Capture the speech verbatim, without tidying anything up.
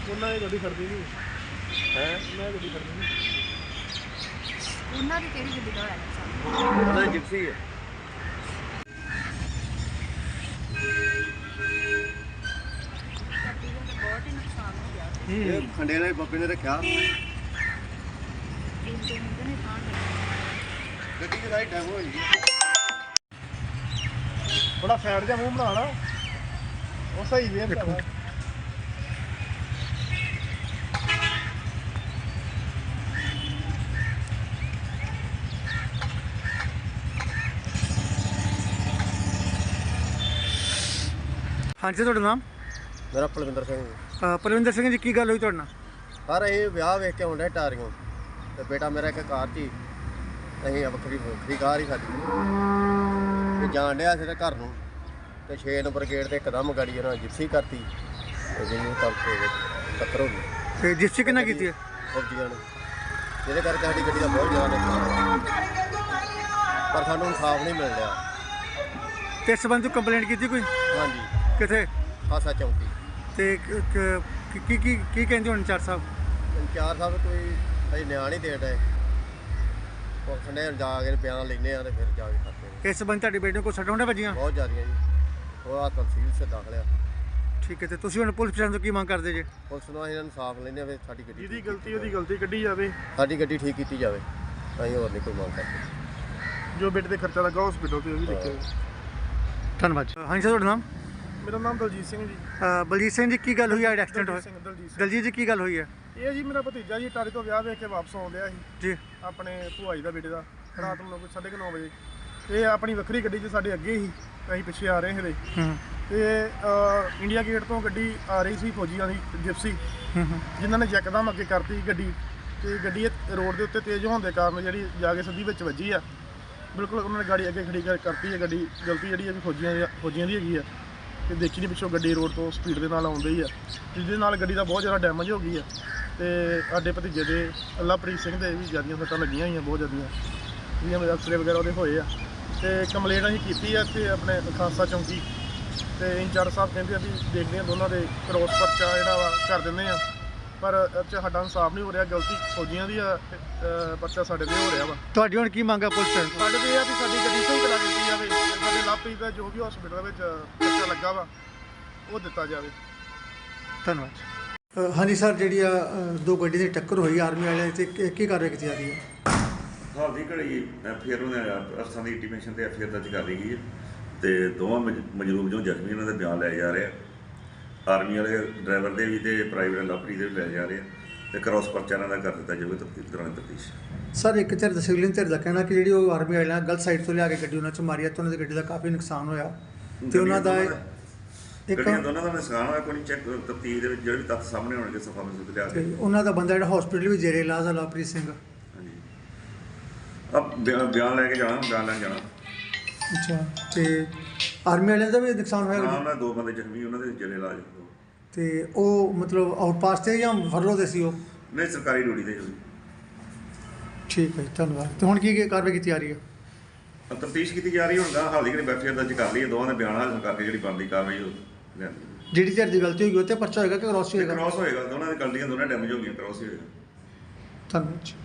ਉਹਨਾਂ ਦੀ ਗੱਡੀ ਖੜਦੀ ਨਹੀਂ ਹੈ ਉਹਨਾਂ ਦੀ ਗੱਡੀ ਖੜਦੀ ਨਹੀਂ ਉਹਨਾਂ ਦੀ ਕਿਹੜੀ ਗੱਡੀ ਦਾ ਹੋਇਆ ਨੁਕਸਾਨ? ਉਹਨਾਂ ਦੀ ਜਿਪਸੀ ਹੈ। ਗੱਡੀ ਦਾ ਤਾਂ ਬਹੁਤ ਹੀ ਨੁਕਸਾਨ ਹੋ ਗਿਆ। ਇਹ ਖੰਡੇ ਵਾਲੇ ਬੱਬੇ ਨੇ ਰੱਖਿਆ ਇੱਕ ਦੋ ਮਿੰਟ ਨੇ ਖਾਣ ਲੱਗੇ। ਗੱਡੀ ਦੀ ਸਾਰੀ ਡੈਮ ਹੋਈ ਥੋੜਾ ਸਾਈਡ ਜਿਹਾ ਮੂੰਹ ਬਣਾ ਲਾ ਉਹ ਸਹੀ ਵੇ ਭਰਾਵਾ ਹਾਂਜੀ ਤੁਹਾਡਾ ਨਾਮ? ਮੇਰਾ ਪਲਵਿੰਦਰ ਸਿੰਘ ਅ, ਪਰਵਿੰਦਰ ਸਿੰਘ ਜੀ, ਕੀ ਗੱਲ ਹੋਈ ਤੁਹਾਡੇ ਨਾਲ? ਸਰ ਇਹ ਵਿਆਹ ਵੇਖ ਕੇ ਆਉਂਦਾ ਟਾਰੀਆਂ ਤੇ ਬੇਟਾ ਮੇਰਾ ਇੱਕ ਕਾਰ 'ਚ ਹੀ ਅਸੀਂ ਵੱਖਰੀ ਵੱਖਰੀ ਕਾਰ ਹੀ ਸਾਡੀ ਤੇ ਜਾਣ ਡਿਆ ਸੀ ਤੇ ਘਰ ਨੂੰ ਤੇ ਛੇ ਨੰਬਰ ਗੇਟ ਤੇ ਇੱਕਦਮ ਗਾੜੀ ਉਹਨਾਂ ਜਿਪਸੀ ਕਰਤੀ ਤੇ ਜਿਹਨੂੰ ਕਰਕੇ ਟੱਕਰ ਹੋ ਗਈ ਤੇ ਜਿਸ 'ਚ ਕਿੰਨਾ ਕੀਤੀ ਹੈ? ਫੌਜੀਆਂ ਨੇ ਜਿਹਦੇ ਕਰਕੇ ਸਾਡੀ ਗੱਡੀ ਦਾ ਬਹੁਤ ਜ਼ਿਆਦਾ ਨੁਕਸਾਨ ਹੋਇਆ ਪਰ ਸਾਨੂੰ ਇਨਸਾਫ ਨਹੀਂ ਮਿਲ ਰਿਹਾ। ਤੇ ਇਸ ਸੰਬੰਧ ਵਿੱਚ ਕੰਪਲੇਂਟ ਕੀਤੀ ਕੋਈ? ਹਾਂਜੀ ਕਿੱਥੇ? ਖਾਸਾ ਚੌਂਕੀ ਤੇ ਕ- ਕ- ਕੀ ਕੀ ਕੀ ਕਹਿੰਦੇ ਹੁਣ ਚਾਰ ਸਾਹਿਬ? ਚਾਰ ਸਾਹਿਬ ਕੋਈ ਅਸੀਂ ਨਿਆਂ ਨਹੀਂ ਦੇ ਰਹੇ ਉਹ ਖੰਡੇ ਜਾ ਕੇ ਬਿਆਨ ਲੈਂਦੇ ਆ ਤੇ ਫਿਰ ਜਾ ਕੇ ਕਰਦੇ ਨੇ। ਇਸ ਸੰਬੰਧ ਤੁਹਾਡੀ ਬੇਟੀ ਨੂੰ ਕੋਈ ਸੱਟਾਂ ਹੁੰਦੇ ਵੱਜੀਆਂ? ਬਹੁਤ ਜ਼ਿਆਦੀਆਂ ਜੀ ਉਹ ਆ ਤਹਿਸੀਲ ਸੇ ਦਾਖਲ ਆ। ਠੀਕ ਹੈ, ਤੇ ਤੁਸੀਂ ਹੁਣ ਪੁਲਿਸ ਪ੍ਰਸ਼ਾਸਨ ਤੋਂ ਕੀ ਮੰਗ ਕਰਦੇ ਜੇ? ਪੁਲਿਸ ਨੂੰ ਅਸੀਂ ਇਨਸਾਫ ਲੈਂਦੇ ਆ ਵੀ ਸਾਡੀ ਗੱਡੀ ਜਿਹਦੀ ਠੀਕ ਗਲਤੀ ਕੀਤੀ ਉਹਦੀ ਗਲਤੀ ਕੱਢੀ ਜਾਵੇ ਸਾਡੀ ਗੱਡੀ ਠੀਕ ਕੀਤੀ ਜਾਵੇ ਅਸੀਂ ਹੋਰ ਨਹੀਂ ਕੋਈ ਮੰਗ ਕਰਦੇ। ਜੋ ਬੇਟੇ ਤੇ ਖਰਚਾ ਲੱਗਾ ਹਸਪੀਟਲ ਤੇ ਉਹ ਵੀ ਦੇਖਿਆ ਧੰਨਵਾਦ ਜੀ। ਹਾਂਜੀ ਸਰ, ਤੁਹਾਡਾ ਨਾਮ? ਮੇਰਾ ਨਾਮ ਦਲਜੀਤ ਸਿੰਘ ਜੀ। ਅ, ਬਲਜੀਤ ਸਿੰਘ ਜੀ, ਕੀ ਗੱਲ ਹੋਈ ਹੈ? ਐਕਸੀਡੈਂਟ ਦਲਜੀਤ ਹੋਇਆ? ਸਿੰਘ ਦਲਜੀਤ ਸਿੰਘ ਦਲਜੀਤ ਜੀ, ਕੀ ਗੱਲ ਹੋਈ ਹੈ? ਇਹ ਜੀ ਮੇਰਾ ਭਤੀਜਾ ਜੀ ਟਾਰੀ ਤੋਂ ਵਿਆਹ ਵੇਖ ਕੇ ਵਾਪਸ ਆਉਂਦਿਆ ਸੀ ਜੀ ਆਪਣੇ ਭੂਆ ਜੀ ਦਾ ਬੇਟੇ ਦਾ ਰਾਤ ਨੂੰ ਕੋਈ ਸਾਢੇ ਕੁ ਨੌ ਵਜੇ ਇਹ ਆਪਣੀ ਵੱਖਰੀ ਗੱਡੀ 'ਚ ਸਾਡੇ ਅੱਗੇ ਸੀ ਅਸੀਂ ਪਿੱਛੇ ਆ ਰਹੇ ਸੀਗੇ ਹੂੰ ਤੇ ਅ, ਇੰਡੀਆ ਗੇਟ ਤੋਂ ਗੱਡੀ ਆ ਰਹੀ ਸੀ ਫੌਜੀਆਂ ਦੀ ਜਿਪਸੀ ਹੂੰ ਹੂੰ। ਜਿਨ੍ਹਾਂ ਨੇ ਯਕਦਮ ਅੱਗੇ ਕਰਤੀ ਗੱਡੀ ਤੇ ਗੱਡੀ ਇਹ ਰੋਡ ਦੇ ਉੱਤੇ ਤੇਜ਼ ਹੋਣ ਦੇ ਕਾਰਨ ਜਿਹੜੀ ਜਾ ਕੇ ਸਿੱਧੀ ਵਿੱਚ ਵੱਜੀ ਆ। ਬਿਲਕੁਲ ਉਹਨਾਂ ਨੇ ਗਾੜੀ ਅੱਗੇ ਖੜੀ ਕਰ ਕਰਤੀ ਹੈ ਗੱਡੀ ਗਲਤੀ ਜਿਹੜੀ ਹੈ ਵੀ ਫੌਜੀਆਂ ਦੀ ਫੌਜੀਆਂ ਦੀ ਹੈਗੀ ਆ ਤੇ ਦੇਖੀ ਨਹੀਂ ਪਿੱਛੋਂ ਗੱਡੀ ਰੋਡ ਤੋਂ ਸਪੀਡ ਦੇ ਨਾਲ ਆਉਂਦੀ ਆ ਜਿਹਦੇ ਨਾਲ ਗੱਡੀ ਦਾ ਬਹੁਤ ਜ਼ਿਆਦਾ ਡੈਮੇਜ ਹੋ ਗਈ ਆ ਤੇ ਸਾਡੇ ਭਤੀਜੇ ਦੇ ਅੱਲਾਪ੍ਰੀਤ ਸਿੰਘ ਦੇ ਵੀ ਜ਼ਿਆਦੀਆਂ ਸੱਟਾਂ ਲੱਗੀਆਂ ਹੋਈਆਂ ਬਹੁਤ ਜ਼ਿਆਦੀਆਂ ਜਿਹੜੀਆਂ ਮੇਰੇ ਅਫਸਰੇ ਵਗੈਰਾ ਉਹਦੇ ਹੋਏ ਆ ਤੇ ਕੰਪਲੇਂਟ ਅਸੀਂ ਕੀਤੀ ਆ ਇੱਥੇ ਆਪਣੇ ਖਾਸਾ ਚੌਂਕੀ ਤੇ ਇੰਚਾਰਜ ਸਾਹਿਬ ਕਹਿੰਦੇ ਆ ਵੀ ਦੇਖਦੇ ਆ ਦੋਨਾਂ ਦੇ ਕ੍ਰੋਸ ਪਰਚਾ ਜਿਹੜਾ ਵਾ ਕਰ ਦਿੰਦੇ ਆ ਪਰ ਇਹ 'ਚ ਸਾਡਾ ਇਨਸਾਫ ਨਹੀਂ ਹੋ ਰਿਹਾ। ਗਲਤੀ ਫੌਜੀਆਂ ਦੀ ਆ ਤੇ, ਅ, ਪਰਚਾ ਸਾਡੇ ਤੇ ਹੋ ਰਿਹਾ ਵਾ। ਤੁਹਾਡੀ ਹੁਣ ਕੀ ਮੰਗ ਹੈ ਪੁਲਿਸ ਪ੍ਰਸ਼ਾਸਨ ਤੋਂ? ਸਾਡੇ ਤੇ ਇਹ ਆ ਵੀ ਸਾਡੀ ਗੱਡੀ ਸਹੀ ਕਰਾ ਦਿੱਤੀ ਜਾਵੇ ਤੇ ਸਾਡੇ ਲਾਪਰੀ ਦਾ ਜੋ ਵੀ ਹਸਪੀਟਲ ਵਿੱਚ ਪਰਚਾ ਲੱਗਾ ਵਾ ਉਹ ਦਿੱਤਾ ਜਾਵੇ। ਧੰਨਵਾਦ। ਅ, ਹਾਂਜੀ ਸਰ, ਜਿਹੜੀ ਆ ਅ, ਦੋ ਗੱਡੀ ਦੀ ਟੱਕਰ ਹੋਈ ਆਰਮੀ ਵਾਲਿਆਂ ਤੇ ਕੀ ਕੀ ਕਾਰਵਾਈ ਕੀਤੀ ਜਾ ਰਹੀ ਹੈ? ਹਾਲ ਦੀ ਘੜੀ ਫਿਰ ਉਹਨੇ ਅਫਸਰਾਂ ਦੀ ਇੰਟੀਮੇਸ਼ਨ ਤੇ ਐਫ ਆਈ ਆਰ ਦਰਜ ਕਰ ਲਈ ਗਈ ਹੈ ਤੇ ਦੋਵਾਂ ਮਜ- ਮਜਰੂਮ ਜੋ ਜ਼ਖਮੀ ਉਹਨਾਂ ਦੇ ਬਿਆਨ ਲਏ ਜਾ ਰਹੇ ਆ। ਆਰਮੀ ਵਾਲੇ ਡਰਾਈਵਰ ਦੇ ਵੀ ਤੇ ਪ੍ਰਾਈਵੇਟ ਲਾਪਰੀ ਦੇ ਵੀ ਲਏ ਜਾ ਰਹੇ ਆ ਤੇ ਕ੍ਰਾਸ ਪਰਚਾ ਇਹਨਾਂ ਦਾ ਕਰ ਦਿੱਤਾ ਜਾਵੇ ਤਫਤੀਸ਼ ਦੌਰਾਨ ਤਫਤੀਸ਼। ਸਰ, ਇੱਕ ਧਿਰ ਦਾ ਸਿਵਲਿਅਨ ਧਿਰ ਦਾ ਕਹਿਣਾ ਕਿ ਜਿਹੜੀ ਉਹ ਆਰਮੀ ਵਾਲਿਆਂ ਗਲਤ ਸਾਈਡ ਤੋਂ ਲਿਆ ਕੇ ਗੱਡੀ ਉਹਨਾਂ 'ਚ ਮਾਰੀ ਆ ਤੇ ਉਹਨਾਂ ਦੀ ਗੱਡੀ ਦਾ ਕਾਫੀ ਨੁਕਸਾਨ ਹੋਇਆ ਤੇ ਉਹਨਾਂ ਦਾ ਇੱਕ ਗੱਡੀਆਂ ਦੋਨਾਂ ਦਾ ਨੁਕਸਾਨ ਹੋਇਆ। ਕੋਈ ਚੈੱਕ ਤਫਤੀਸ਼ ਦੇ ਵਿੱਚ ਜਿਹੜੇ ਵੀ ਤੱਥ ਸਾਹਮਣੇ ਆਉਣਗੇ ਸਫਾ ਮਸੂਦ ਲਿਆ ਤੇ ਕੇ। ਉਹਨਾਂ ਦਾ ਬੰਦਾ ਜਿਹੜਾ ਹਸਪੀਟਲ ਵੀ ਜੇਰੇ ਇਲਾਜ ਆ, ਲਵਪ੍ਰੀਤ ਸਿੰਘ। ਹਾਂਜੀ ਆ ਬਿਆਨ ਲੈ ਕੇ ਜਾਣਾ ਬਿਆਨ ਲੈਣ ਜਾਣਾ। ਅੱਛਾ, ਤੇ ਆਰਮੀ ਵਾਲਿਆਂ ਦਾ ਵੀ ਨੁਕਸਾਨ ਹੋਇਆ ਹਾਂ ਗੱਡੀ? ਉਹਨਾਂ ਦੇ ਦੋ ਬੰਦੇ ਜ਼ਖਮੀ ਉਹਨਾਂ ਦੇ ਜਿਹੜੇ ਇਲਾਜ। ਤੇ ਉਹ ਮਤਲਬ ਆਊਟਪਾਸ ਤੇ ਜਾਂ ਫਰਲੋ ਦੇ ਸੀ ਉਹ? ਨਹੀਂ ਸਰਕਾਰੀ ਡਿਊਟੀ ਤੇ ਜੀ। ਠੀਕ ਹੈ ਜੀ, ਧੰਨਵਾਦ। ਤੇ ਹੁਣ ਕੀ ਕੀ ਕਾਰਵਾਈ ਕੀਤੀ ਜਾ ਰਹੀ ਹੈ? ਤਫਤੀਸ਼ ਕੀਤੀ ਜਾ ਰਹੀ ਹੁਣ ਹਾਲ ਦੀ ਘੜੀ ਐਫ ਆਈ ਆਰ ਦਰਜ ਕਰ ਲਈ ਹੈ। ਦੋਵਾਂ ਦੇ ਬਿਆਨ ਹਾਸਲ ਕਰਕੇ ਜਿਹੜੀ ਬਣਦੀ ਕਾਰਵਾਈ ਉਹ ਲੈਂਦੀ। ਜਿਹੜੀ ਧਿਰ ਦੀ ਗਲਤੀ ਹੋਈ ਉਹ ਤੇ ਪਰਚਾ ਹੋਏਗਾ ਕਿ ਕ੍ਰਾਸ ਹੋਏਗਾ? ਕ੍ਰਾਸ ਹੋਏਗਾ ਦੋਨਾਂ ਦੀ ਗਲਤੀਆਂ ਦੋਨਾਂ ਡੈਮੇਜ ਹੋ ਗਈਆਂ ਕ੍ਰਾਸ ਹੀ ਹੋਏਗਾ। ਧੰਨਵਾਦ ਜੀ।